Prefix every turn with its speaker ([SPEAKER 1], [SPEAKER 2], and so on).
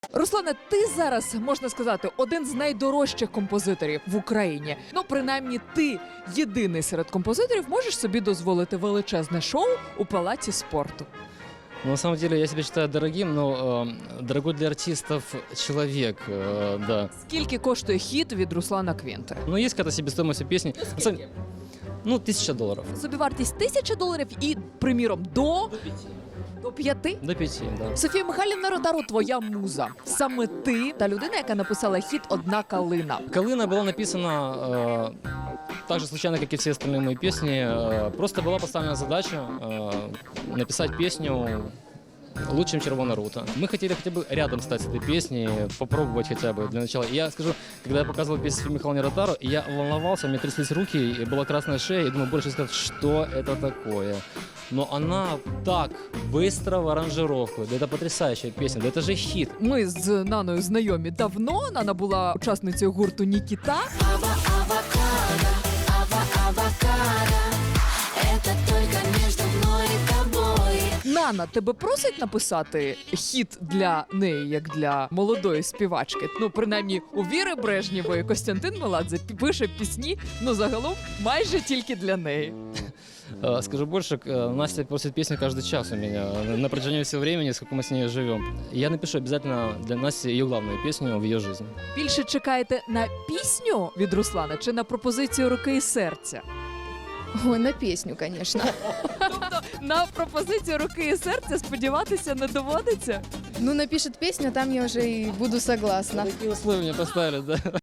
[SPEAKER 1] Руслане, ти зараз, можна сказати, один з найдорожчих композиторів в Україні. Ну, принаймні, ти єдиний серед композиторів можеш собі дозволити величезне шоу у палаці спорту.
[SPEAKER 2] Ну, на самом деле, я себя считаю дорогим, но дорогой для артистов человек, да.
[SPEAKER 1] Скільки коштує хіт від Руслана Квінти?
[SPEAKER 2] Но есть какая-то себестоимость у песни. Ну, $1000.
[SPEAKER 1] Собівартість $1000 і, приміром, до 5?
[SPEAKER 2] До 5, да.
[SPEAKER 1] Софія Михайлівна Ротару, твоя муза. Саме ти та людина, яка написала хіт «Одна калина».
[SPEAKER 2] «Калина» была написана так же случайно, как и все остальные мои песни. Просто была поставлена задача написать песню лучше, чем «Червона рута». Мы хотели хотя бы рядом стать с этой песней, попробовать хотя бы для начала. И я скажу, когда я показывал песню Софии Михайловне Ротару, я волновался, у меня тряслись руки, и была красная шея, и думаю, больше сказать, что это такое. Но она так быстро в аранжировку. Да это потрясающая песня, да это же хит.
[SPEAKER 1] Ми з Наною знайомі давно. Нана була учасницею гурту «Нікіта».
[SPEAKER 3] Это только между мной и тобой.
[SPEAKER 1] Нана, тебе просить написати хіт для неї, як для молодої співачки? Ну, принаймні, у Віри Брежнєвої Костянтин Меладзе пише пісні, ну, загалом, майже тільки для неї.
[SPEAKER 2] Скажу больше, Настя просит песню каждый час у меня на протяжении всего времени, сколько мы с ней живем. Я напишу обязательно для Насти ее главную песню в ее жизни.
[SPEAKER 1] Більше чекаєте на пісню від Руслана чи на пропозицію руки і серця?
[SPEAKER 4] Ой, на песню, конечно.
[SPEAKER 1] Тобто на пропозицію руки і серця сподіватися не доводиться?
[SPEAKER 4] Ну, напишет песню, там я уже и буду согласна.
[SPEAKER 2] Такие условия мне поставили, да.